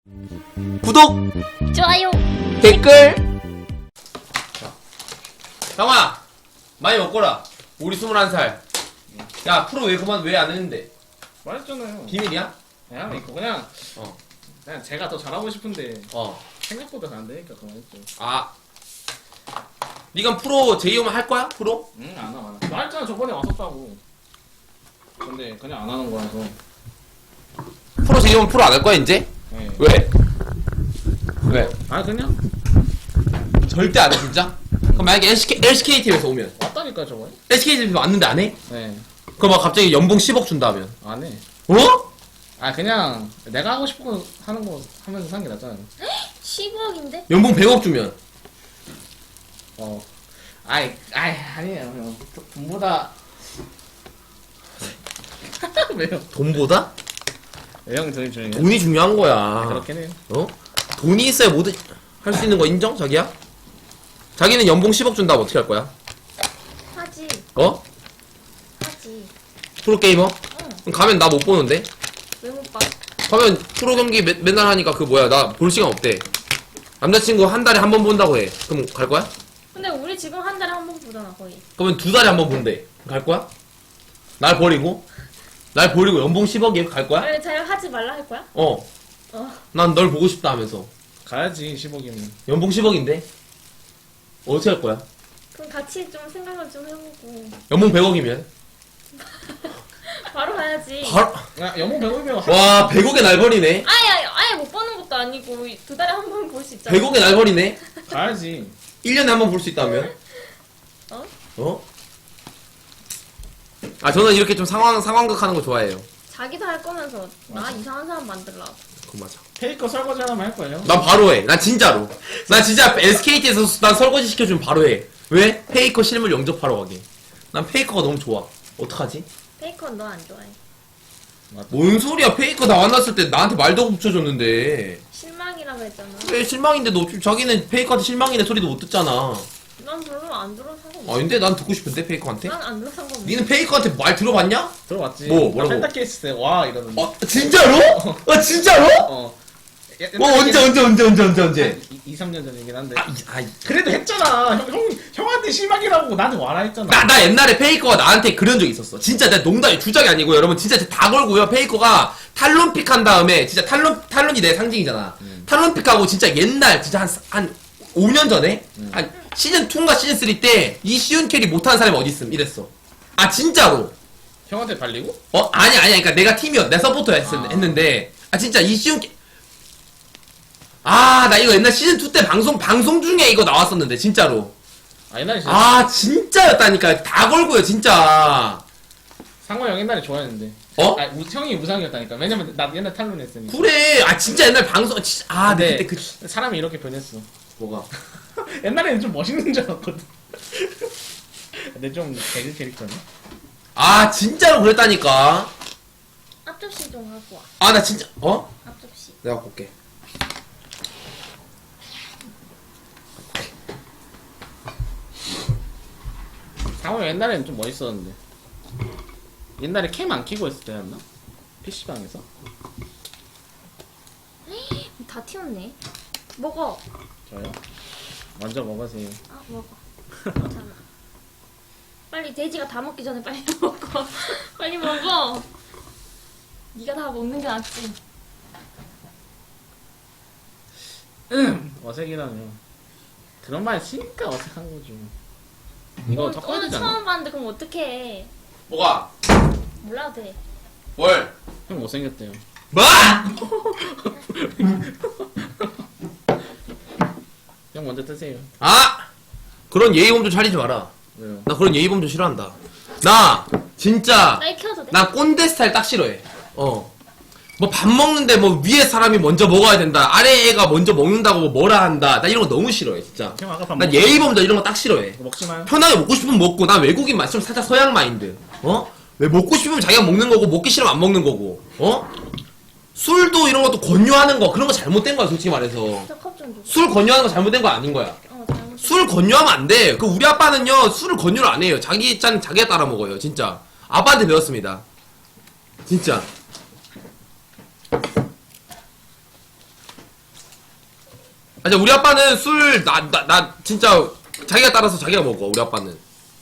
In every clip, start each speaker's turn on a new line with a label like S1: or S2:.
S1: 구독,
S2: 좋아요.
S1: 댓글. 상아, 많이 먹거라. 우리 21살. 야, 프로 왜 안 했는데?
S3: 말했잖아요.
S1: 비밀이야?
S3: 그냥 이거 그냥
S1: 어.
S3: 그냥 제가 더 잘하고 싶은데
S1: 어.
S3: 생각보다 안 되니까 그만했죠.
S1: 아. 니가 프로 제이오만 할 거야? 프로?
S3: 응, 안 와. 말했잖아 저번에 왔었다고. 근데 그냥 안 하는 거라서.
S1: 프로 제이오만 프로 안 할 거야, 이제?
S3: 네.
S1: 왜? 왜?
S3: 아 그냥
S1: 절대 안 해, 진짜? 그럼 만약에 LCK팀에서 오면.
S3: 왔다니까 저번에.
S1: LCK팀에서 왔는데 안 해?
S3: 네.
S1: 그럼 막 갑자기 연봉 10억 준다면.
S3: 안 해.
S1: 어?
S3: 아 그냥 내가 하고 싶은 거 하는 거 하면서 사는 게 낫잖아요.
S2: 15억인데?
S1: 연봉 100억 주면.
S3: 어. 아니에요. 형. 돈보다 왜요?
S1: 돈보다?
S3: 형 저희 중에
S1: 돈이 중요한 거야.
S3: 그렇긴 해요.
S1: 어? 돈이 있어야 모두 할 수 있는 거 인정? 자기야? 자기는 연봉 10억 준다면 어떻게 할 거야?
S2: 하지.
S1: 어?
S2: 하지.
S1: 프로게이머?
S2: 응.
S1: 그럼 가면 나 못 보는데?
S2: 왜 못 봐?
S1: 가면 프로 경기 맨날 하니까 그 뭐야 나 볼 시간 없대. 남자친구 한 달에 한 번 본다고 해. 그럼 갈 거야?
S2: 근데 우리 지금 한 달에 한 번 보잖아, 거의.
S1: 그러면 두 달에 한 번 본대. 갈 거야? 날 버리고? 날 버리고 연봉 10억에 갈 거야?
S2: 왜 잘 하지 말라 할 거야?
S1: 어.
S2: 어.
S1: 난 널 보고 싶다 하면서.
S3: 가야지 15기면.
S1: 연봉 10억인데? 어떻게 할 거야?
S2: 그럼 같이 좀 생각을 좀 해보고.
S1: 연봉 100억이면?
S2: 바로 가야지.
S1: 바로,
S3: 야 연봉 100억이면
S1: 와, 100억에 날 버리네?
S2: 아예 못 보는 것도 아니고, 두 달에 한 번 볼 수 있잖아.
S1: 100억에 날 버리네?
S3: 가야지.
S1: 1년에 한 번 볼 수 있다면?
S2: 어?
S1: 어? 아, 저는 이렇게 좀 상황극 하는 거 좋아해요.
S2: 자기도 할 거면서, 나
S3: 맞아.
S2: 이상한 사람 만들라고.
S1: 그거 맞아.
S3: 페이커 설거지 하나만 할 거예요.
S1: 난 바로 해. 난 진짜로. 난 진짜 SKT에서 난 설거지 시켜주면 바로 해. 왜? 페이커 실물 영접하러 가게. 난 페이커가 너무 좋아. 어떡하지?
S2: 페이커는 너 안 좋아해.
S1: 뭔 소리야. 페이커 나 만났을 때 나한테 말도 붙여줬는데.
S2: 실망이라 그랬잖아.
S1: 왜 실망인데 너 자기는 페이커한테 실망이네 소리도 못 듣잖아.
S2: 난 별로 안 들어 상관없어.
S1: 아닌데? 난 듣고 싶은데 페이커한테?
S2: 난 안 들어 상관없어.
S1: 니는 페이커한테 말 들어봤냐?
S3: 들어봤지.
S1: 뭐라고?
S3: 펜타키 했을 때 와 이러는데.
S1: 어? 진짜로? 어 진짜로?
S3: 어.
S1: 언제?
S3: 2, 3년 전이긴 한데.
S1: 아,
S3: 그래도 했잖아. 형한테 실망이라고 나한테 와라 했잖아.
S1: 나 옛날에 페이커가 나한테 그런 적 있었어. 진짜 내가 농담이 주작이 아니고 여러분 진짜 다 걸고요. 페이커가 탈론픽 한 다음에 진짜 탈론이 내 상징이잖아. 탈론픽하고 진짜 옛날 진짜 한 5년 전에 한 시즌 2인가 시즌 3 때 이 쉬운 캐리 못하는 사람이 어디 있음 이랬어. 아 진짜로.
S3: 형한테 발리고?
S1: 어 아니 그러니까 내가 팀이었 내 서포터 했는데 아 진짜 이 쉬운 캐 아 나 이거 옛날 시즌 2 때 방송 중에 이거 나왔었는데 진짜로.
S3: 아 옛날에 진짜
S1: 아 진짜였다니까 다 걸고요 진짜.
S3: 상호 형 옛날에 좋아했는데.
S1: 어?
S3: 아 형이 우상이었다니까. 왜냐면 나 옛날 탈론 했으니까.
S1: 그래 아 진짜 옛날 방송 아
S3: 근데
S1: 네, 그때
S3: 사람이 이렇게 변했어.
S1: 뭐가
S3: 옛날에는 좀 멋있는 줄 알았거든. 근데 좀 개그 캐릭터네.
S1: 아 진짜로 그랬다니까.
S2: 앞접시 좀 갖고 와.
S1: 아 나 진짜 어?
S2: 앞접시.
S1: 내가 갖고 올게.
S3: 상호 형 옛날에는 좀 멋있었는데. 옛날에 캠 안 키고 했을 때였나? PC방에서?
S2: 다 튀었네. 먹어.
S3: 저요? 먼저 먹으세요.
S2: 아 먹어. 괜찮아. 빨리 돼지가 다 먹기 전에 빨리 먹어. 빨리 먹어. 네가 다 먹는 게 낫지.
S3: 어색이라뇨. 그런 말 쓰니까 어색한 거죠. 이거 섞어야
S2: 오늘
S3: 되잖아.
S2: 처음 봤는데 그럼 어떡해.
S1: 뭐가?
S2: 몰라도 돼.
S1: 뭘?
S3: 형 못생겼대요.
S1: 뭐?
S3: 형 먼저 뜨세요.
S1: 아 그런 예의범 좀 차리지 마라.
S3: 왜요?
S1: 나 그런 예의범 좀 싫어한다. 나 진짜
S2: 나 이거 켜도 돼?
S1: 나 꼰대 스타일 딱 싫어해. 어. 뭐 밥 먹는데 뭐 위에 사람이 먼저 먹어야 된다. 아래 애가 먼저 먹는다고 뭐 뭐라 한다. 나 이런 거 너무 싫어해 진짜.
S3: 형 아까 밥
S1: 난 예의범들 이런 거 딱 싫어해.
S3: 먹지 마요.
S1: 편하게 먹고 싶으면 먹고 난 외국인 맛 좀 살짝 서양 마인드. 어? 왜 먹고 싶으면 자기가 먹는 거고 먹기 싫으면 안 먹는 거고. 어? 술도 이런 것도 권유하는 거 그런 거 잘못된 거야 솔직히 말해서.
S2: 저 컵 좀 줘.
S1: 술 권유하는 거 잘못된 거 아닌 거야.
S2: 잘못.
S1: 술 권유하면 안 돼. 그 우리 아빠는요 술을 권유를 안 해요. 자기 짠 자기가 따라 먹어요. 진짜. 아빠한테 배웠습니다. 진짜. 아니 우리 아빠는 술 나 진짜 자기가 따라서 자기가 먹어. 우리 아빠는.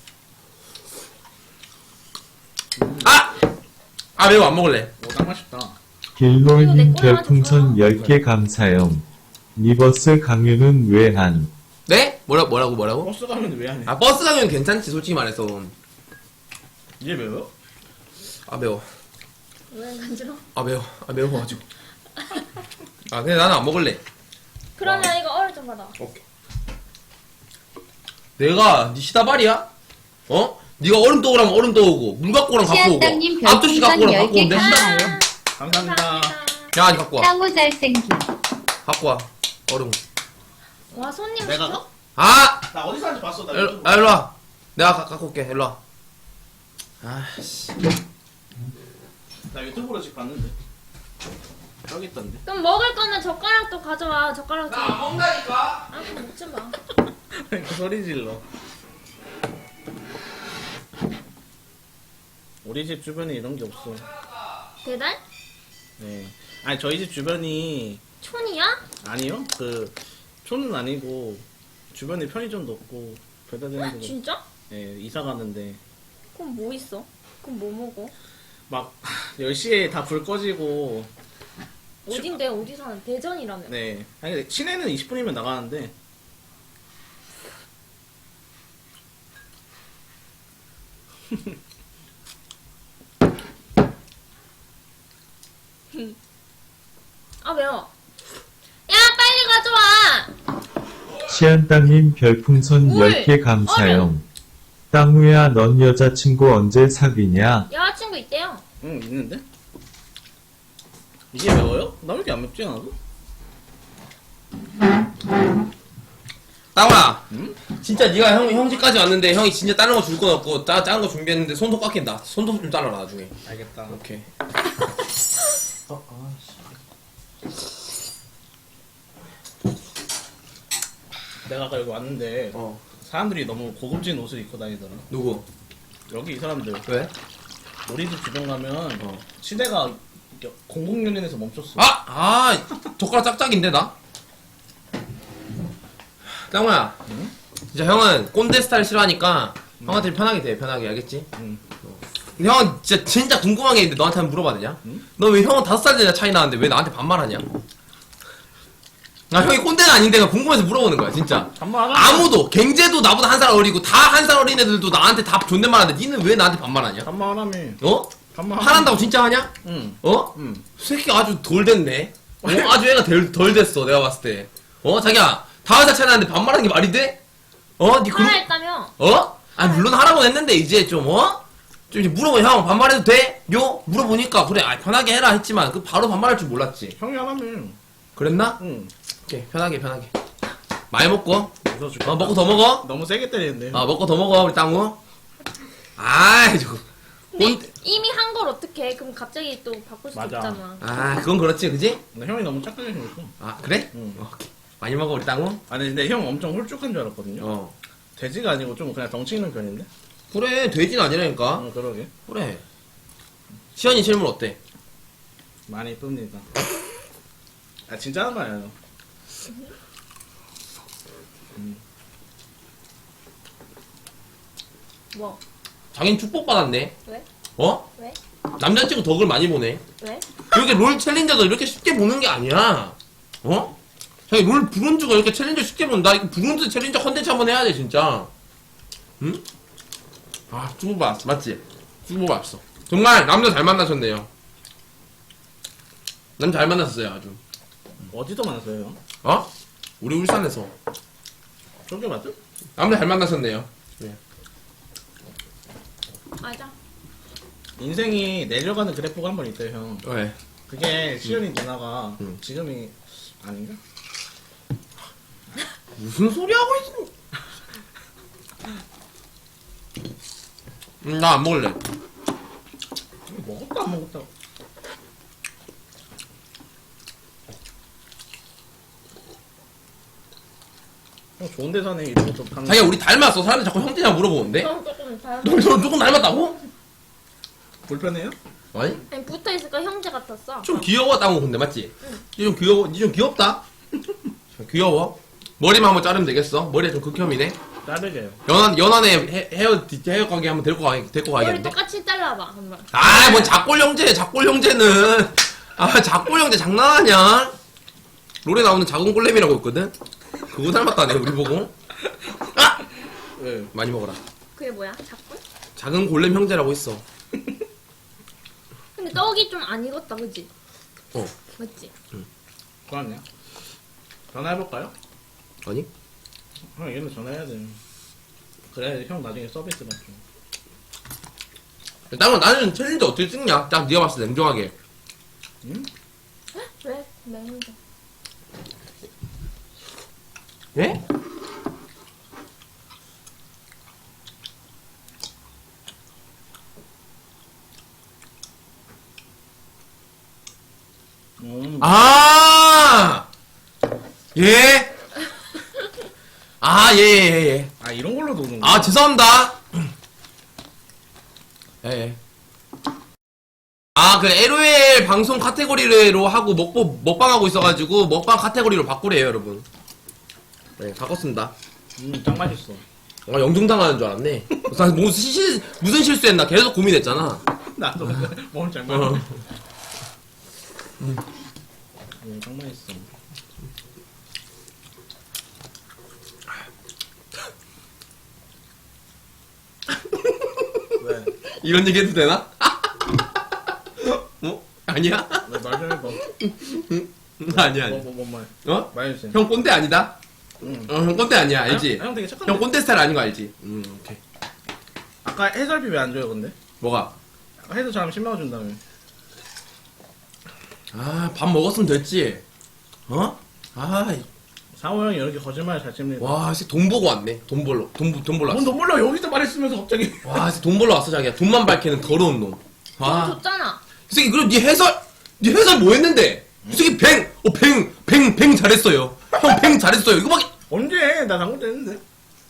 S1: 아 매워 안 먹을래.
S3: 오, 딱 맛있다.
S4: 길놀님 별풍선 10개 감사용. 리버스 강유는 왜 한?
S1: 네? 뭐라고?
S3: 버스 가면 왜 안 해?
S1: 아 버스 가면 괜찮지 솔직히 말해서.
S3: 이게 매워요?
S1: 아 매워.
S2: 왜 간지러?
S1: 아 매워. 아 매워가지고. 아 근데 나는 안 먹을래.
S2: 그러면 이거 얼음 좀 받아.
S1: 오케이. 내가 니 시다발이야? 어? 니가 얼음 떠오라면 얼음 떠오고 물 갖고 오라면 갖고 오고
S5: 시아땅님
S1: 앞접시 갖고 오라면 갖고 오는데
S5: 별풍선
S1: 시다
S3: 감사합니다.
S1: 야 니 갖고 와
S5: 땅우 잘생김.
S1: 갖고 와 얼음.
S2: 와 손님
S3: 내가
S2: 시켜?
S3: 가?
S1: 아!
S3: 나 어디서 하는지 봤어. 나
S1: 일로 와. 내가 갖고 올게. 일로 와. 아씨.
S3: 나 유튜브로 지금 봤는데. 여기 있던데.
S2: 그럼 먹을 거면 젓가락도 가져와. 젓가락 좀.
S1: 먹는다니까.
S2: 아 그럼 먹지 마.
S3: 그 소리 질러. 우리 집 주변에 이런 게 없어.
S2: 배달?
S3: 네. 아니 저희 집 주변이
S2: 촌이야?
S3: 아니요. 그 촌은 아니고 주변에 편의점도 없고 배달되는 데도.
S2: 진짜?
S3: 네, 이사 가는데
S2: 그럼 뭐 있어? 그럼 뭐 먹어?
S3: 막 10시에 다 불 꺼지고.
S2: 어딘데? 어디 사는? 대전이라며.
S3: 네. 아니 근데 시내는 20분이면 나가는데.
S2: 아 매워. 야 빨리 가져와.
S4: 시안땅님 별풍선
S2: 물!
S4: 10개 감사용. 땅우야 넌 여자친구 언제 사귀냐?
S2: 여자친구 있대요.
S3: 응 있는데? 이게 매워요? 나 왜 이렇게 안 맵지 않아도?
S1: 땅아.
S3: 응?
S1: 진짜 네가 형 집까지 왔는데 형이 진짜 다른 거 줄 건 없고 작은 거 준비했는데 손톱 깎인다. 손톱 좀 잘라라 나중에.
S3: 알겠다.
S1: 오케이.
S3: 내가 아까 여기 왔는데
S1: 어.
S3: 사람들이 너무 고급진 옷을 입고 다니더라.
S1: 누구?
S3: 여기 이 사람들
S1: 왜?
S3: 우리 집 주변 가면
S1: 어.
S3: 시대가 공공연인에서 멈췄어.
S1: 젓가락 짝짝인데 나? 땅우야.
S3: 응?
S1: 진짜 형은 꼰대 스타일 싫어하니까 형한테 편하게 돼. 편하게 알겠지?
S3: 응.
S1: 근데 형은 진짜 궁금한 게 있는데 너한테 한번 물어봐도 되냐?
S3: 응?
S1: 너 왜 형은 5살 차이 나는데 왜 나한테 반말하냐? 나 형이 꼰대는 아닌데 그냥 궁금해서 물어보는 거야 진짜.
S3: 반말
S1: 아무도 갱제도 나보다 1살 어리고 다 1살 어린 애들도 나한테 다 존댓말하는데 니는 왜 나한테 반말하냐?
S3: 반말하며.
S1: 어?
S3: 반말.
S1: 화난다고 진짜 하냐?
S3: 응.
S1: 어?
S3: 응.
S1: 새끼 아주 덜 됐네. 아주 애가 덜 됐어 내가 봤을 때. 자기야 5살 차이 나는데 반말하는 게 말이 돼? 니
S2: 하라 했다며.
S1: 아니 물론 하라고 했는데 이제 좀 좀 이제 물어보면 형 반말해도 돼? 요? 물어보니까 그래 편하게 해라 했지만 그 바로 반말할 줄 몰랐지.
S3: 형이 하라며.
S1: 그랬나?
S3: 응.
S1: 오케이 편하게 많이 먹고
S3: 웃어줄게.
S1: 먹고 더 먹어.
S3: 너무 세게 때리는데.
S1: 먹고 더 먹어 우리 땅우. 아이 저거
S2: 근데 이미 한 걸 어떻게 해? 그럼 갑자기 또 바꿀 수
S3: 맞아.
S2: 없잖아.
S1: 그건 그렇지 그지?
S3: 근데 형이 너무 착하게 생겼어.
S1: 그래?
S3: 응.
S1: 오케이 많이 먹어 우리 땅우.
S3: 아니 근데 형 엄청 홀쭉한 줄 알았거든요. 돼지가 아니고 좀 그냥 덩치 있는 편인데.
S1: 그래 돼지는 아니라니까.
S3: 그러게.
S1: 그래 시연이 실물 어때?
S3: 많이 쁩니다. 진짜 하는 말이에요.
S2: 뭐?
S1: 자긴 축복받았네.
S2: 왜?
S1: 왜? 남자친구 덕을 많이 보네.
S2: 왜?
S1: 이렇게 롤 챌린저도 이렇게 쉽게 보는 게 아니야. 자기 롤 브론즈가 이렇게 챌린저 쉽게 본다. 이거 브론즈 챌린저 컨텐츠 한번 해야 돼 진짜. 응? 축복 받았어 맞지? 축복 받았어. 정말 남자 잘 만나셨네요. 남 잘 만났었어요 아주.
S3: 어디서 만났어요?
S1: 우리 울산에서
S3: 저게 맞죠?
S1: 남자 잘 만나셨네요.
S2: 맞아.
S3: 인생이 내려가는 그래프가 한 번 있대요, 형.
S1: 왜?
S3: 그게 시연이 누나가
S1: 응.
S3: 지금이 아닌가?
S1: 무슨 소리 하고 있어? 나 안 먹을래.
S3: 먹었다 안 먹었다. 형 좋은 데 사네 이런 것도 파는.
S1: 자기야 우리 닮았어. 사람들 자꾸 형제냐 물어보는데?
S2: 형 조금 잘.
S1: 너 조금 닮았다고?
S3: 불편해요?
S1: 아니?
S2: 아니 붙어 있을까 형제 같았어.
S1: 좀 귀여웠다고 근데 맞지? 니 좀 귀엽다. 귀여워. 머리만 한번 자르면 되겠어. 머리가 좀 극혐이네.
S3: 자르게요.
S1: 연안에 헤어 가게 한번 데리고
S2: 머리
S1: 가야겠네.
S2: 똑같이 잘라봐 한번.
S1: 아, 뭔 작골 형제는. 아, 작골 형제 장난하냐? 롤에 나오는 작은 골렘이라고 있거든? 그거 닮았다네, 우리 보고. 아!
S3: 왜?
S1: 많이 먹어라.
S2: 그게 뭐야? 작골?
S1: 작은 골렘 형제라고 있어.
S2: 근데 떡이 좀 안 익었다 그지?
S1: 어.
S2: 맞지?
S3: 그러냐? 전화해볼까요?
S1: 아니?
S3: 형 얘는 전화해야 돼. 그래 형 나중에 서비스 받죠.
S1: 일단은 나는 챌린지 어떻게 찍냐? 딱 네가 봤을 때 냉정하게.
S3: 응?
S2: 왜? 냉장.
S1: 예? 아! 예? 아, 예.
S3: 아 이런 걸로 노는 거.
S1: 아, 죄송합니다. 예. 아, 그 LOL 방송 카테고리로 하고 먹방하고 있어가지고 먹방 카테고리로 바꾸래요, 여러분. 네, 바꿨습니다.
S3: 짱 맛있어.
S1: 아, 영종당하는 줄 알았네. 무슨 실수했나 계속 고민했잖아.
S3: 나도 몸 잘
S1: 어.
S3: 맞아. 짱 맛있어. 왜?
S1: 이런 얘기 해도 되나? 어? 아니야?
S3: 왜 말 좀 해봐.
S1: 아니야.
S3: 뭔 말?
S1: 어?
S3: 말해주세요.
S1: 형 꼰대 아니다?
S3: 응.
S1: 형 꼰대 아니야, 알지?
S3: 형 되게 착한데.
S1: 형 꼰대 스타일 아닌 거 알지? 오케이.
S3: 아까 해설비 왜 안 줘요 근데?
S1: 뭐가?
S3: 아까 해설 잘하면 10만 원 준다며.
S1: 아, 밥 먹었으면 됐지. 어? 아,
S3: 상호 형이 이렇게 거짓말 잘 칩니다.
S1: 와, 진짜 돈 보고 왔네. 돈 벌러 왔어.
S3: 뭔 몰라 여기서 말했으면서 갑자기.
S1: 와, 진짜 돈 벌러 왔어, 자기야. 돈만 밝히는 더러운 놈.
S2: 돈
S1: 와.
S2: 줬잖아.
S1: 이 새끼, 그럼 네 해설 뭐 했는데? 이 새끼 뱅 잘했어요. 형 뱅 잘했어요. 이거밖에.
S3: 언제? 나 당근 됐는데.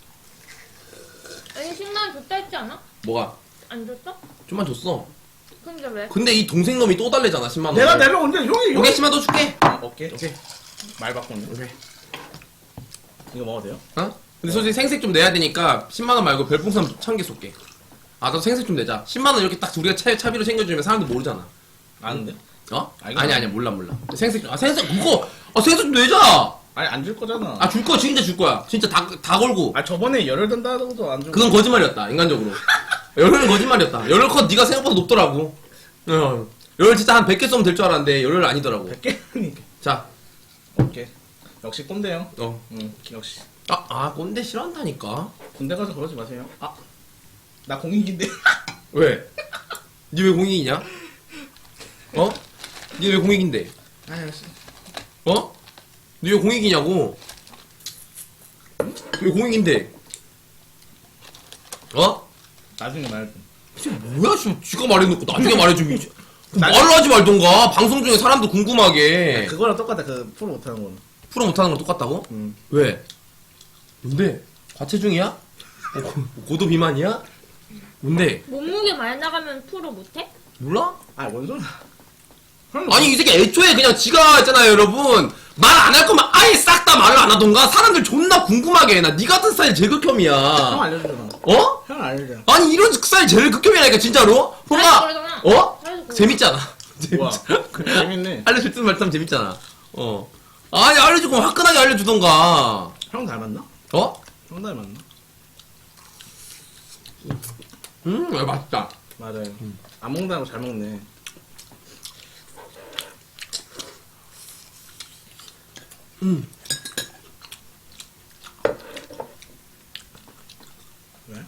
S2: 아니 10만 원 줬다 했지 않아?
S1: 뭐가?
S2: 안 줬어?
S1: 좀만 줬어.
S2: 근데 왜?
S1: 근데 이 동생 놈이 또 달래잖아, 10만원.
S3: 내가 내면 언제 형이
S1: 오케이, 10만 더 줄게.
S3: 오케이.
S1: 오케이.
S3: 말 바꿨네.
S1: 오케이.
S3: 이거 먹어도 돼요?
S1: 어? 근데 솔직히 생색 좀 내야 되니까 10만원 말고 별풍선 1000개 쏠게. 아, 나도 생색 좀 내자. 10만원 이렇게 딱 우리가 차비로 챙겨주면 사람들 모르잖아.
S3: 아는데?
S1: 어?
S3: 알겠어.
S1: 아니야, 몰라. 생색 좀, 생색 좀 내자!
S3: 아니 안 줄 거잖아.
S1: 아, 줄 거야, 진짜 줄 거야. 진짜 다 걸고.
S3: 아 저번에 열을 든다고도 안 주고.
S1: 그건 거짓말이었다, 인간적으로. 열은 거짓말이었다. 열을 컷 네가 생각보다 높더라고. 열 진짜 한 100개 쏘면 될 줄 알았는데 열을 아니더라고.
S3: 100개니까.
S1: 자,
S3: 오케이. 역시 꼰대요.
S1: 어.
S3: 응. 역시.
S1: 꼰대 싫어한다니까.
S3: 군대 가서 그러지 마세요. 아. 나 공익인데.
S1: 왜? 니 왜 공익이냐? 어? 니 왜 공익인데?
S3: 아이씨.
S1: 어? 니 왜 공익이냐고? 왜 공익인데? 어?
S3: 나중에 말해.
S1: 이게 뭐야, 지가 말해놓고 나중에 말해주면 이제. 말을 하지 말던가. 방송 중에 사람도 궁금하게.
S3: 그거랑 똑같아. 그 프로 못하는 거는.
S1: 프로 못하는 건 똑같다고?
S3: 응.
S1: 왜? 뭔데? 과체중이야? 고도 비만이야? 뭔데?
S2: 몸무게 많이 나가면 프로 못해?
S1: 몰라?
S3: 아뭔 소리야.
S1: 아니 이 새끼 애초에 그냥 지가 있잖아요 여러분 말 안 할 거면 아예 싹 다 말을 안 하던가 사람들 존나 궁금하게 해. 나 니 같은 스타일 제일
S3: 형
S1: 극혐이야.
S3: 알려주잖아.
S1: 어?
S3: 형 알려줘.
S1: 아니 이런 스타일 제일 극혐이라니까 진짜로? 뭔가
S2: 그러잖아.
S1: 어?
S2: 잘해서 그래.
S1: 재밌잖아.
S3: 우와. 재밌네.
S1: 알려줄 듯 말듯 하면 재밌잖아. 어. 아니 알려주고 화끈하게 알려주던가.
S3: 형 닮았나?
S1: 어?
S3: 형 닮았나?
S1: 맛있다.
S3: 맞아요. 안 먹는다고 잘 먹네. 왜?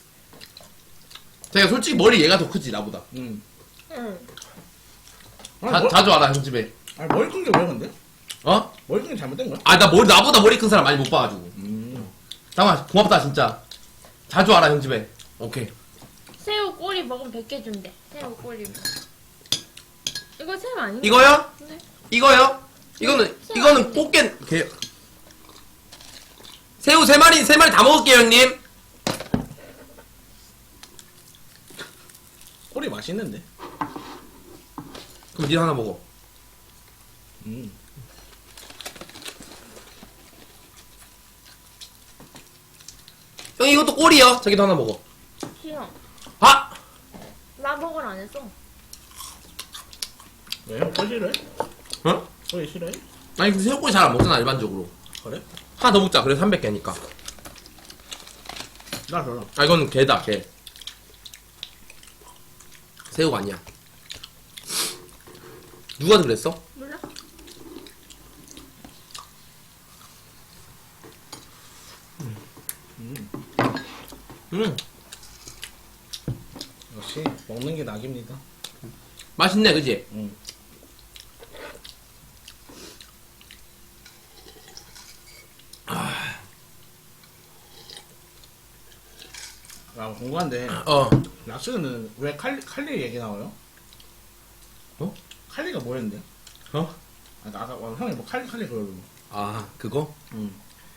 S1: 제가 솔직히 머리 얘가 더 크지 나보다.
S3: 응.
S2: 응.
S1: 자주 알아 형 집에.
S3: 아니 머리 큰 게 왜 근데?
S1: 어?
S3: 머리 큰 게 잘못된 거야?
S1: 아 나 나보다 머리 큰 사람 많이 못 봐가지고. 잠깐만 고맙다 진짜. 자주 알아 형 집에. 오케이.
S2: 새우 꼬리 먹으면 100개 준대. 새우 꼬리. 이거 새우 아닌가?
S1: 이거요?
S2: 네.
S1: 이거요? 이거는 꽃게 새우 3마리 다 먹을게요 형님.
S3: 꼬리 맛있는데.
S1: 그럼 니 하나 먹어. 이것도 꼴이요. 자기도 하나 먹어.
S2: 싫어.
S1: 아!
S2: 나 먹을 안 했어.
S3: 왜 형 꼴 싫어해?
S1: 어?
S3: 꼴 싫어해?
S1: 아니 근데 새우꼬리 잘 안 먹잖아 일반적으로.
S3: 그래?
S1: 하나 더 먹자. 그래서 300개니까.
S3: 나 별로.
S1: 아 이건 개다 개. 새우가 아니야. 누가 그랬어?
S2: 몰라?
S3: 역시 먹는 게 낙입니다.
S1: 맛있네 그지?
S3: 응. 아, 궁금한데
S1: 어.
S3: 락스는 왜 칼리 얘기 나와요?
S1: 어?
S3: 칼리가 뭐였는데?
S1: 어?
S3: 아까 형이 뭐 칼리 그러고.
S1: 아 그거?
S3: 응.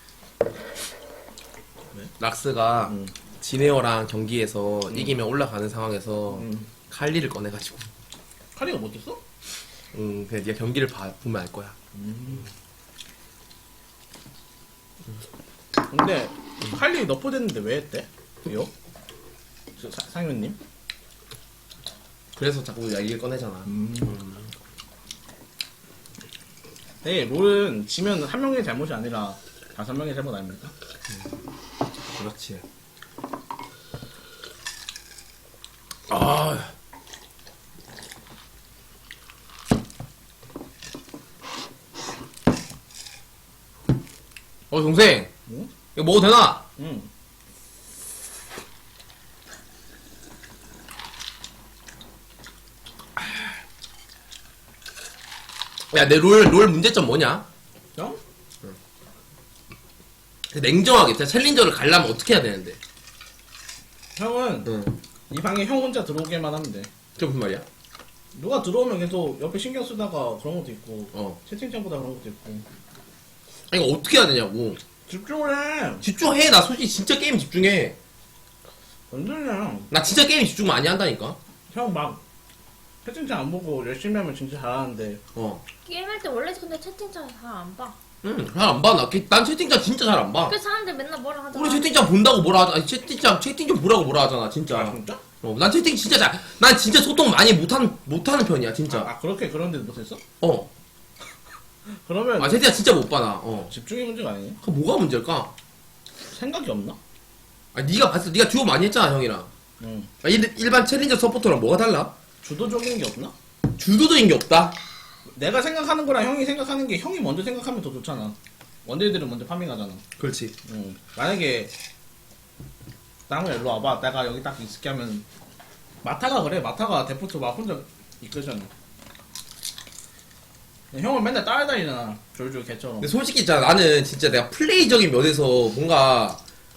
S1: 락스가
S3: 응.
S1: 지네어랑 경기에서 이기면 올라가는 상황에서
S3: 응.
S1: 칼리를 꺼내가지고
S3: 칼리가 못했어?
S1: 그냥 네가 경기를 보면 알 거야.
S3: 근데 칼리 너프됐는데 왜 했대? 왜요? 상윤님?
S1: 그래서 자꾸 얘기를 꺼내잖아.
S3: 네, 롤은 지면 한 명의 잘못이 아니라 5명의 잘못 아닙니까?
S1: 그렇지. 아. 동생.
S3: 응?
S1: 이거 먹어도 되나?
S3: 응.
S1: 야, 내 롤 문제점 뭐냐?
S3: 형?
S1: 냉정하게, 진짜 챌린저를 가려면 어떻게 해야 되는데?
S3: 형은
S1: 응.
S3: 이 방에 형 혼자 들어오게만 하면 돼.
S1: 그게 무슨 말이야?
S3: 누가 들어오면 계속 옆에 신경 쓰다가 그런 것도 있고
S1: 어.
S3: 채팅창보다 그런 것도 있고
S1: 아니, 이거 어떻게 해야 되냐고.
S3: 집중을 해.
S1: 집중해. 나 솔직히 진짜 게임 집중해.
S3: 완전히
S1: 나 진짜 게임 집중 많이 한다니까?
S3: 형 막 채팅창 안 보고 열심히 하면 진짜 잘하는데
S1: 어.
S2: 게임할 때 원래 근데 채팅창 잘 안 봐.
S1: 응, 잘 안 봐. 난 채팅창 진짜 잘 안 봐.
S2: 그 사람들 맨날 뭐라 하잖아.
S1: 우리 채팅창 본다고 뭐라 하잖아. 아니, 채팅 좀 보라고 뭐라 하잖아,
S3: 아
S1: 진짜.
S3: 진짜?
S1: 난 채팅 진짜 난 진짜 소통 많이 못하는 편이야, 진짜.
S3: 그렇게 그런데 못했어?
S1: 어.
S3: 그러면
S1: 채팅창 진짜 못 봐, 나. 어.
S3: 집중의 문제가 아니니?
S1: 그 뭐가 문제일까?
S3: 생각이 없나?
S1: 네가 봤어. 네가 듀오 많이 했잖아, 형이랑.
S3: 응.
S1: 일반 챌린저 서포터랑 뭐가 달라?
S3: 주도적인 게 없나?
S1: 주도적인 게 없다.
S3: 내가 생각하는 거랑 형이 생각하는 게 형이 먼저 생각하면 더 좋잖아. 원딜들은 먼저 파밍하잖아.
S1: 그렇지.
S3: 응. 만약에 나무 일로 와봐. 내가 여기 딱 있을게 하면 마타가 그래. 마타가 데프트 막 혼자 이끌잖아. 형은 맨날 따라다니잖아. 졸졸 개처럼.
S1: 근데 솔직히 있잖아, 나는 진짜 내가 플레이적인 면에서 뭔가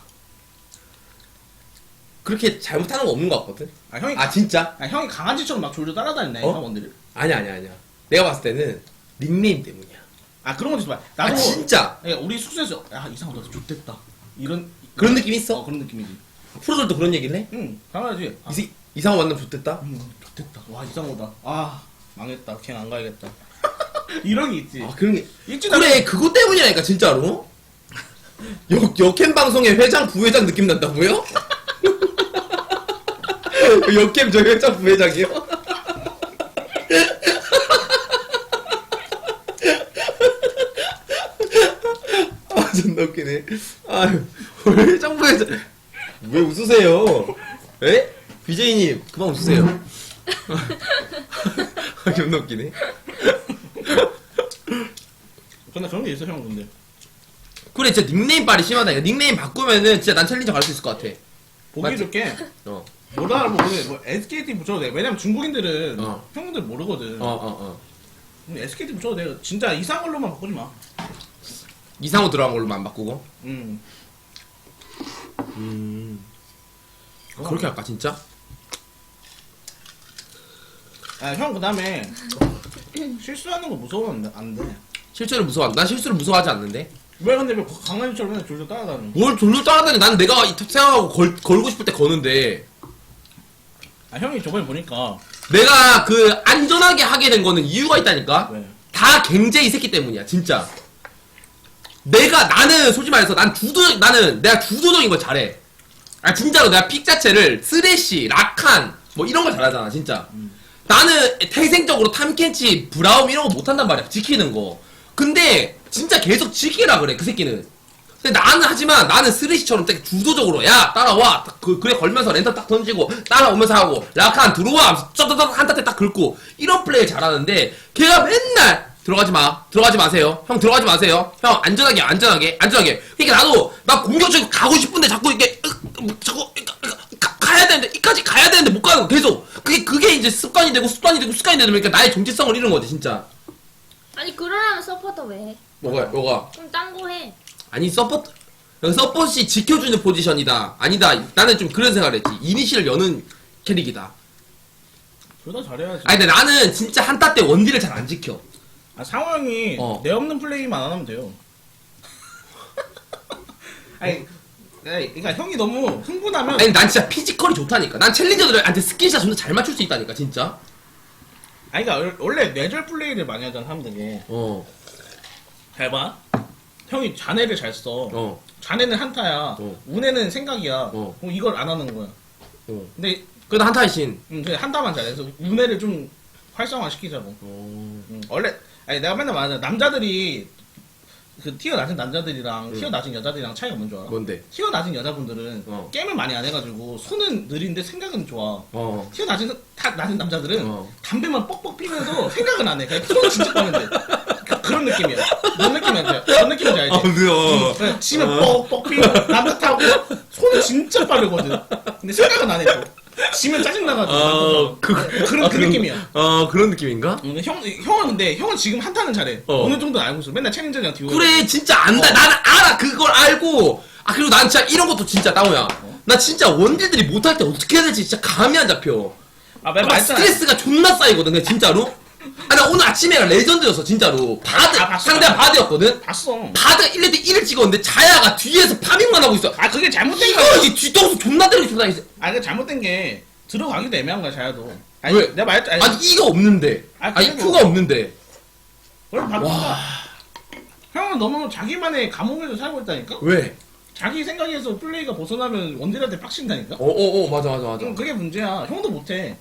S1: 그렇게 잘못하는 거 없는 것 같거든.
S3: 형이
S1: 진짜?
S3: 형이 강아지처럼 막 졸졸 따라다니네.
S1: 어?
S3: 원딜을.
S1: 아니야. 내가 봤을 때는 닉네임 때문이야.
S3: 그런 것도 있어. 나도
S1: 진짜
S3: 그러니까 우리 숙소에서 이상하다. 좋댔다. 이런
S1: 그런 느낌 있어?
S3: 그런 느낌이지.
S1: 프로들도 그런 얘기를 해?
S3: 응. 당연하지.
S1: 이상한 만남 좋댔다?
S3: 좋댔다. 와 이상하다. 망했다. 걔는 안 가야겠다. 이런 게 있지.
S1: 그런 게
S3: 있지.
S1: 그래 그것 때문이라니까 진짜로. 역캠 방송의 회장 부회장 느낌 난다고요? 역캠 저 회장 부회장이요? 존나 웃기네. 아유 회장 부회장 왜 웃으세요? 에? BJ님 그만 웃으세요. 존나 웃기네.
S3: 근데 그런 게 있어 형 근데.
S1: 그래 진짜 닉네임 빨이 심하다. 닉네임 바꾸면은 진짜 난 챌린저 갈 수 있을 것 같아.
S3: 보기
S1: 맞지?
S3: 좋게
S1: 어.
S3: 못 알아보고 뭐 SKT 붙여도 돼. 왜냐면 중국인들은 형들 모르거든. SKT 붙여도 돼. 진짜 이상한 걸로만 바꾸지 마.
S1: 이상호 들어간 걸로만 안 바꾸고. 그렇게 할까 진짜?
S3: 형 그다음에 실수하는 거 무서우면 안 돼.
S1: 실수를 무서워한다. 난 실수를 무서워하지 않는데.
S3: 왜 근데 왜 강아지처럼 맨날 졸졸 따라다녀?
S1: 뭘 졸졸 따라다니. 난 내가 생각하고 걸고 싶을 때 거는데.
S3: 형이 저번에 보니까
S1: 내가 그 안전하게 하게 된 거는 이유가 있다니까.
S3: 왜?
S1: 다 갱제 이 새끼 때문이야 진짜. 나는 솔직히 말해서 나는 내가 주도적인 걸 잘해. 아 진짜로 내가 픽 자체를 쓰레쉬, 라칸 뭐 이런 걸 잘하잖아 진짜. 나는 태생적으로 탐켄치, 브라움 이런 거 못한단 말이야 지키는 거. 근데 진짜 계속 지키라 그래 그 새끼는. 근데 나는 하지만 나는 쓰레쉬처럼 되게 주도적으로 야 따라와 그래 걸면서 랜턴 딱 던지고 따라오면서 하고 라칸 들어와 하면서 쩌쩌쩌 한타 때 딱 긁고 이런 플레이 잘하는데 걔가 맨날 들어가지 마세요 형 들어가지 마세요 형 안전하게 그러니까 나도 나 공격적으로 가고 싶은데 자꾸 이렇게 자꾸 가야 되는데 이까지 가야 되는데 못 가는 거 계속 그게 이제 습관이 되고 그러니까 나의 정체성을 잃은 거지 진짜.
S2: 아니 그러려면 서포터 왜 해?
S1: 뭐가
S2: 그럼 딴 거 해.
S1: 아니 서폿이 지켜주는 포지션이다 아니다 나는 좀 그런 생각을 했지. 이니시를 여는 캐릭이다.
S3: 둘 다 잘해야지.
S1: 아니 근데 나는 진짜 한타 때 원딜을 잘 안 지켜.
S3: 아, 상호 형이 내 없는 플레이만 안 하면 돼요. 아니, 그러니까 형이 너무 흥분하면
S1: 아니 난 진짜 피지컬이 좋다니까. 난 챌린저들한테 스킨샷 존나 잘 맞출 수 있다니까 진짜.
S3: 아니 그러니까 원래 뇌절 플레이를 많이 하잖아 사람들이. 잘 봐. 형이 잔해를 잘 써. 잔해는 한타야. 운해는 생각이야. 그럼 이걸 안 하는 거야. 근데
S1: 그래도 한타의 신.
S3: 그냥 한타만 잘해서 운해를 좀 활성화 시키자고. 원래 아니 내가 맨날 말하잖아. 남자들이 그 티어 낮은 남자들이랑 티어 낮은 여자들이랑 차이가 뭔지 알아?
S1: 뭔데?
S3: 티어 낮은 여자분들은 게임을 많이 안 해가지고 손은 느린데 생각은 좋아. 티어 낮은 남자들은 담배만 뻑뻑 피면서 생각은 안 해. 그냥 손은 진짜 빠면 돼. 그런 느낌이야. 뭔 느낌인지 알지? 그래, 지면 뻑뻑 피고 남자 타고 손은 진짜 빠르거든. 근데 생각은 안 해. 또. 지면 짜증나가지고. 그런 느낌이야.
S1: 그런 느낌인가?
S3: 형은 지금 한타는 잘해. 어느 정도는 알고 있어. 맨날 챌린저랑 듀오.
S1: 그래 진짜 안다. 나는 알아 그걸 알고. 아 그리고 난 진짜 이런 것도 진짜 따오야. 나 진짜 원딜들이 못할 때 어떻게 해야 될지 진짜 감이 안 잡혀.
S3: 막
S1: 스트레스가 존나 쌓이거든 그냥 진짜로. 아 나 오늘 아침에 레전드였어 진짜로.
S3: 봤어.
S1: 상대가 바드였거든.
S3: 봤어.
S1: 바드가 1레드 1을 찍었는데 자야가 뒤에서 파밍만 하고 있어.
S3: 아 그게 잘못된 거야.
S1: 이거 뒤통수 존나 때리고 존나 있어.
S3: 아 그게 잘못된 게 들어가기도 애매한 거야 자야도.
S1: 왜?
S3: 내가 말했잖아.
S1: 아니 이가 없는데. 아니
S3: 그리고-
S1: Q가 없는데.
S3: 원래 바꾸자. 형은 너무 자기만의 감옥에서 살고 있다니까?
S1: 왜?
S3: 자기 생각에서 플레이가 벗어나면 원딜한테 빡친다니까?
S1: 맞아.
S3: 그게 문제야. 형도 못해.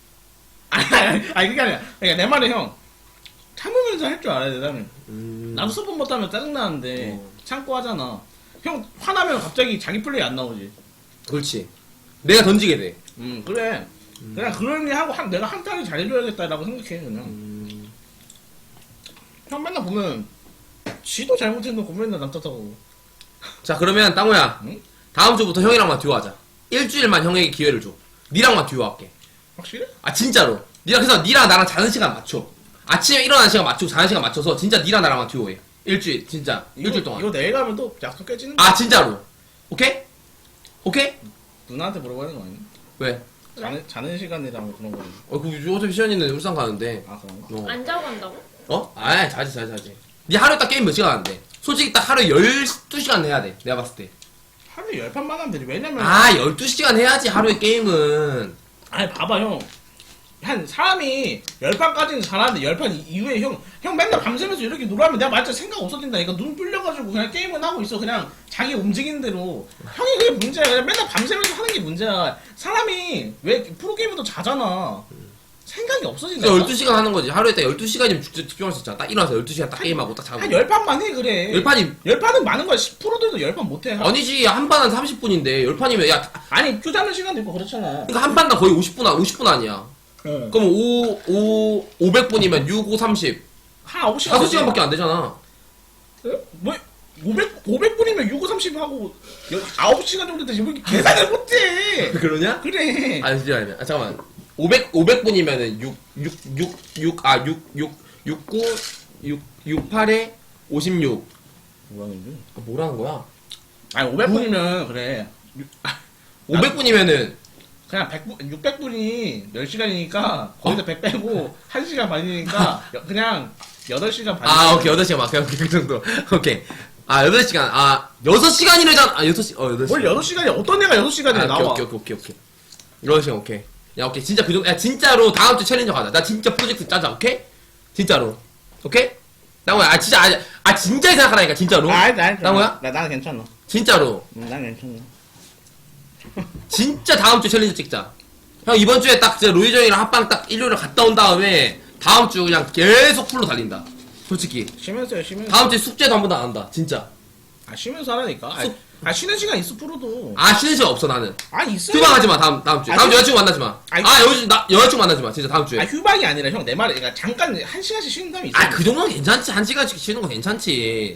S3: 아니 그게 아니야. 그러니까 내 말은 형 참으면서 할 줄 알아야 돼 나는. 나도 서폿 못하면 짜증나는데 참고 하잖아. 형 화나면 갑자기 자기 플레이 안 나오지.
S1: 그렇지. 내가 던지게 돼.
S3: 그래. 그냥 그런 일 하고 내가 한타를 잘해줘야겠다라고 생각해 그냥. 형 맨날 보면 지도 잘못해놓고 맨날 남 탓하고.
S1: 자 그러면 땅호야.
S3: 응?
S1: 다음 주부터 형이랑만 듀오하자. 일주일만 형에게 기회를 줘. 니랑만 듀오할게.
S3: 확실해?
S1: 아 진짜로. 그래서 니랑 나랑 자는 시간 맞춰. 아침에 일어나는 시간 맞추고 자는 시간 맞춰서 진짜 니랑 나랑만 듀오해. 일주일 진짜 일주일 동안.
S3: 이거 내일 가면 또 약속 깨지는 거야.
S1: 아 진짜로. 오케이? 오케이?
S3: 누나한테 물어봐야 되는 거 아니야?
S1: 왜?
S3: 자는 시간이랑 그런 거는.
S1: 그 어차피 시연이는 울산 가는데.
S3: 아 그런가?
S2: 안 자고 간다고?
S1: 아 자지. 니 하루에 딱 게임 몇 시간 하는데? 솔직히 딱 하루에 12시간 해야 돼. 내가 봤을 때.
S3: 하루에 10판만 하면 되지. 왜냐면
S1: 아 12시간 해야지 하루에 게임은.
S3: 아니 봐봐 형. 한 사람이 10판까지는 잘하는데 10판 이후에 형 맨날 밤새면서 이렇게 놀아면 내가 말자 생각 없어진다니까. 눈 불려가지고 그냥 게임은 하고 있어. 그냥 자기 움직이는 대로. 형이 그게 문제야. 그냥 맨날 밤새면서 하는 게 문제야. 사람이 왜 프로게이머도 자잖아. 생각이 없어진다.
S1: 12시간 하는 거지. 하루에 딱 12시간이면 집중할 수 있잖아. 딱 일어나서 12시간 딱 게임하고 딱 자고.
S3: 한 10판만 해 그래.
S1: 10판이
S3: 10판은 많은 거야. 10%들도 10판 못해.
S1: 아니지. 한 판은 30분인데 10판이면 야
S3: 아니 큐 잡는 시간도 있고 그렇잖아.
S1: 그러니까 한 판당 거의 50분 아니야.
S3: 응.
S1: 그럼 500분이면 6, 5, 30.
S3: 한 9시간
S1: 5시간밖에 안 되잖아.
S3: 뭐 500분이면 6, 5, 30 하고 9시간 정도 되지 뭐 이렇게 계산을 못해.
S1: 그러냐?
S3: 그래.
S1: 아니 진짜 아니야. 잠깐만. 500분이면은 6, 8에 56.
S3: 뭐라는 거지?
S1: 뭐라는 거야?
S3: 아니 500분이면 그래.
S1: 500분이면은
S3: 그냥 600분이 10시간이니까 거기서 100 빼고 1시간 반이니까 그냥 8시간 반.
S1: 아 오케이 8시간 맞게 오케이 그 정도. 오케이. 아 8시간. 아 6시간이래잖아. 아 6시 8시간.
S3: 뭘 8시간이야. 어떤 애가 6시간이야 나와.
S1: 오케이. 8시간 오케이. 야 오케이 진짜 그 정도. 야 진짜로 다음 주 챌린저 가자. 나 진짜 프로젝트 짜자. 오케이? 진짜로. 오케이? 나무야 진짜 진짜 생각하라니까 진짜로.
S3: 난
S1: 나무야?
S3: 나는 괜찮아.
S1: 진짜로.
S3: 난 괜찮아.
S1: 진짜 다음 주 챌린저 찍자. 형 이번 주에 딱 진짜 로이정이랑 합방 딱 일요일에 갔다 온 다음에 다음 주 그냥 계속 풀로 달린다. 솔직히
S3: 쉬면서요, 쉬면서.
S1: 다음 주에 숙제도 한 번도 안 한다. 진짜.
S3: 아, 쉬면서 하라니까. 쉬는 시간 있어, 프로도.
S1: 아 쉬는 시간 없어 나는.
S3: 아, 있어요.
S1: 휴방하지 마 다음 주에.
S3: 아,
S1: 다음 주
S3: 휴-
S1: 여자친구 만나지 마.
S3: 아니,
S1: 아 여자친구 만나지 마. 진짜 다음 주에.
S3: 아, 휴방이 아니라 형, 내 말은, 그러니까 잠깐 1시간씩 쉬는 다음에 있어.
S1: 아 그 정도는 괜찮지. 1시간씩 쉬는 거 괜찮지.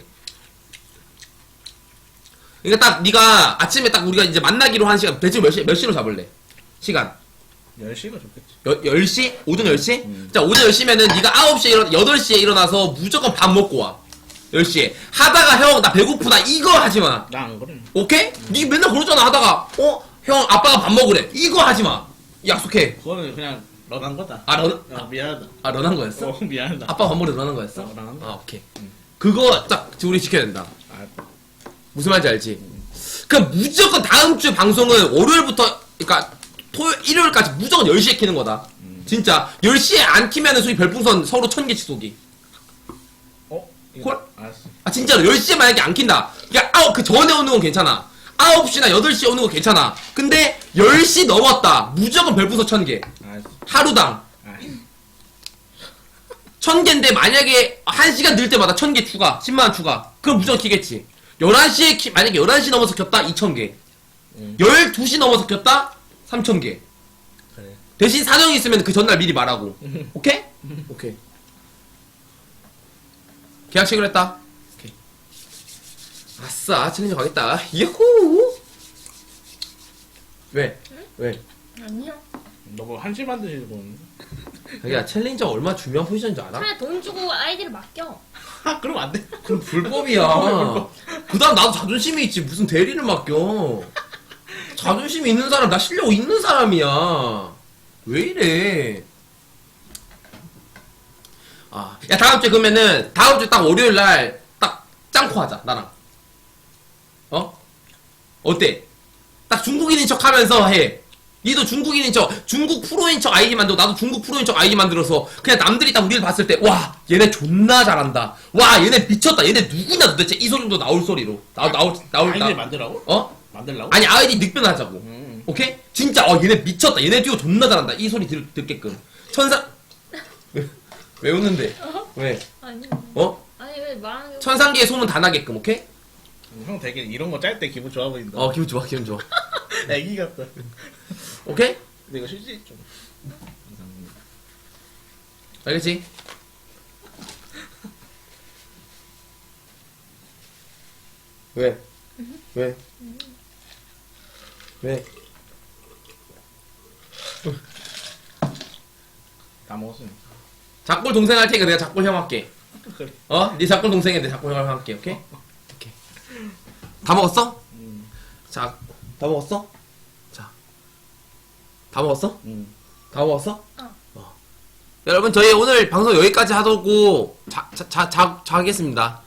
S1: 그러니까 딱 네가 아침에 딱 우리가 이제 만나기로 한 시간 대충 몇 시로 잡을래? 시간
S3: 10시가 좋겠지.
S1: 10시? 오전 10시? 자 오전 10시면은 네가 9시에 8시에 일어나서 무조건 밥 먹고 와 10시에 하다가 형 나 배고프다 이거 하지마.
S3: 나 안 그래.
S1: 오케이? 니 맨날 그러잖아 하다가 형 아빠가 밥 먹으래 이거 하지마. 약속해.
S3: 그거는 그냥 런한 거다.
S1: 아
S3: 미안하다.
S1: 런한 거였어?
S3: 미안하다.
S1: 아빠 밥 먹으래 런한 거였어?
S3: 런한 거.
S1: 아 오케이. 그거 딱 우리 지켜야 된다.
S3: 아,
S1: 무슨 말인지 알지? 그럼 무조건 다음 주 방송은 월요일부터 그러니까 일요일까지 무조건 10시에 키는 거다. 진짜 10시에 안 키면은 소위 별풍선 서로 1000개씩 쏘기.
S3: 이거
S1: 콜?
S3: 알았어.
S1: 아 진짜로 10시에 만약에 안 킨다. 그러니까 그 전에 오는 건 괜찮아. 9시나 8시에 오는 거 괜찮아. 근데 10시 넘었다. 무조건 별풍선 1000개.
S3: 알았어.
S1: 하루당
S3: 알았어.
S1: 1000개인데 만약에 1시간 늘 때마다 1000개 추가 10만원 추가 그럼 무조건 키겠지. 11시에 만약에 11시 넘어서 켰다 2000개 12시 넘어서 켰다 3000개
S3: 그래.
S1: 대신 사정이 있으면 그 전날 미리 말하고 오케이? 오케이 계약 체결 했다. 오케이 아싸 챌린저 가겠다. 야호 왜? 왜?
S2: 아니야.
S3: 너 뭐 한시 만드시는 분?
S1: 자기야 챌린저 얼마 중요한 포지션인 줄 알아?
S2: 차라리 돈 주고 아이디를 맡겨.
S3: 아, 그럼 안 돼.
S1: 그럼 불법이야. 그 다음 나도 자존심이 있지. 무슨 대리를 맡겨. 자존심이 있는 사람, 나 실력 있는 사람이야. 왜 이래. 아, 야, 다음 주에 그러면은, 다음 주 딱 월요일 날, 딱, 짱코 하자, 나랑. 어? 어때? 딱 중국인인 척 하면서 해. 니도 중국인인 척, 중국 프로인 척 아이디 만들고, 나도 중국 프로인 척 아이디 만들어서, 그냥 남들이 딱 우리를 봤을 때, 와, 얘네 존나 잘한다. 와, 얘네 미쳤다. 얘네 누구냐 도대체 이 소리 정도 나올 소리로.
S3: 아이디를 만들라고?
S1: 어?
S3: 만들라고?
S1: 아니, 아이디 늑변하자고. 오케이? 진짜, 얘네 미쳤다. 얘네 듀오 존나 잘한다. 이 소리 듣게끔. 왜 웃는데? 왜?
S2: 아니.
S1: 어?
S2: 아니 왜 말하는 게.
S1: 천상계의 소문 다 나게끔, 오케이?
S3: 형 되게 이런 거 짤 때 기분 좋아 보인다.
S1: 기분 좋아, 기분 좋아.
S3: 애기 같다.
S1: 오케이?
S3: 근데 이거 실제 좀.
S1: 알겠지? 왜? 왜? 왜?
S3: 다 먹었으니까.
S1: 작골 동생 할 테니까 내가 작골 형 할게.
S3: 그래.
S1: 네 작골 동생에 내 작골 형 할게. 오케이? 오케이. 다 먹었어? 자, 다 먹었어? 자. 다 먹었어? 다 먹었어? 여러분 저희 오늘 방송 여기까지 하고 자겠습니다.